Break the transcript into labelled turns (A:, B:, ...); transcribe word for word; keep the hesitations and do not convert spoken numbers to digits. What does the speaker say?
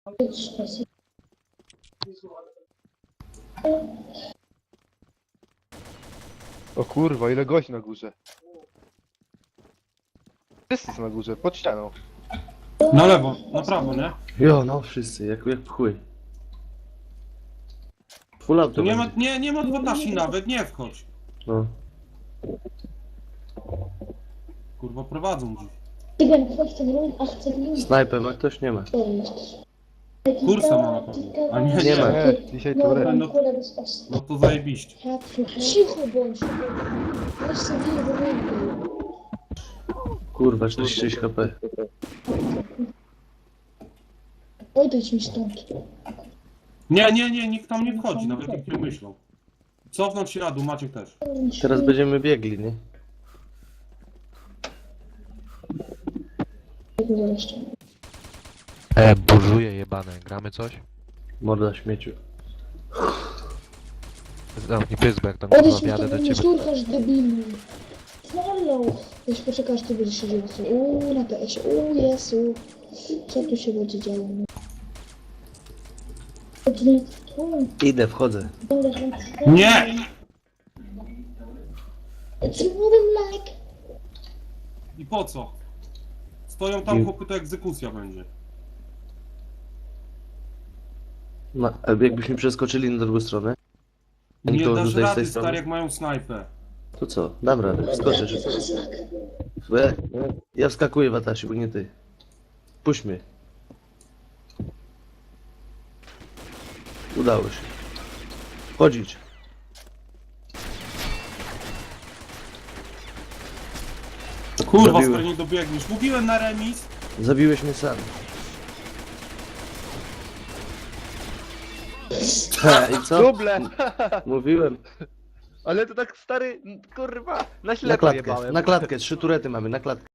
A: O kurwa, ile gości na górze. Wszyscy są na górze, pod ścianą.
B: Na lewo, na prawo, nie?
C: Jo, no wszyscy, jak, jak pchły. Full auto
B: Tu nie ma,
C: będzie.
B: nie, nie ma dwunastu nawet, nie wchodź.
C: No.
B: Kurwa, prowadzą dziś.
C: Snajper ma ktoś? Nie ma.
B: Kursa ma na pewno. A nie,
C: Nie
B: nie,
C: ma.
A: Nie, dzisiaj to re.
B: No, no to zajebiście.
D: Cicho bądź. Weź sobie do ręki.
C: Kurwa, czterdzieści sześć HP.
D: Odejdź mi stąd.
B: Nie, nie, nie, nikt tam nie wchodzi, nawet jak nie myślą. Cofnąć się na dół, Maciek też.
C: Teraz będziemy biegli, nie?
E: E, burzuje jebane. Gramy coś?
C: Morda śmieciu.
E: Zamknij pysk, bo jak tam
D: Odejdź
E: kurwa
D: mi
E: wjadę
D: stąd,
E: do
D: nie
E: ciebie.
D: szturchasz debilu. Znalą. Jeśli poczekasz, to będziesz siedział. Uuu, na P S ie. Uuu, Jezu. Co tu się będzie działo?
C: Idę, wchodzę.
B: Nie!
D: It's moving like...
B: I po co? Stoją tam chłopy, to egzekucja będzie.
C: Ma, a jakbyśmy przeskoczyli na drugą stronę? A
B: Nie
C: nikogo
B: dasz
C: tutaj z tej
B: rady,
C: strony?
B: stary, jak mają snajpę.
C: To co? Dam radę, wskoczę szybko. E, ja wskakuję w Atashi, bo nie ty. Puść mnie. Udało się. Chodzić.
B: Kurwa,
C: Zabiłem.
B: stary, nie dobiegniesz. Mówiłem na remis.
C: Zabiłeś mnie sam. Ha, i co?
A: Duble!
C: Mówiłem.
A: Ale to tak stary, kurwa, na
C: Na
A: ślepo
C: klatkę,
A: jebałem.
C: na klatkę, trzy turety mamy, na klatkę.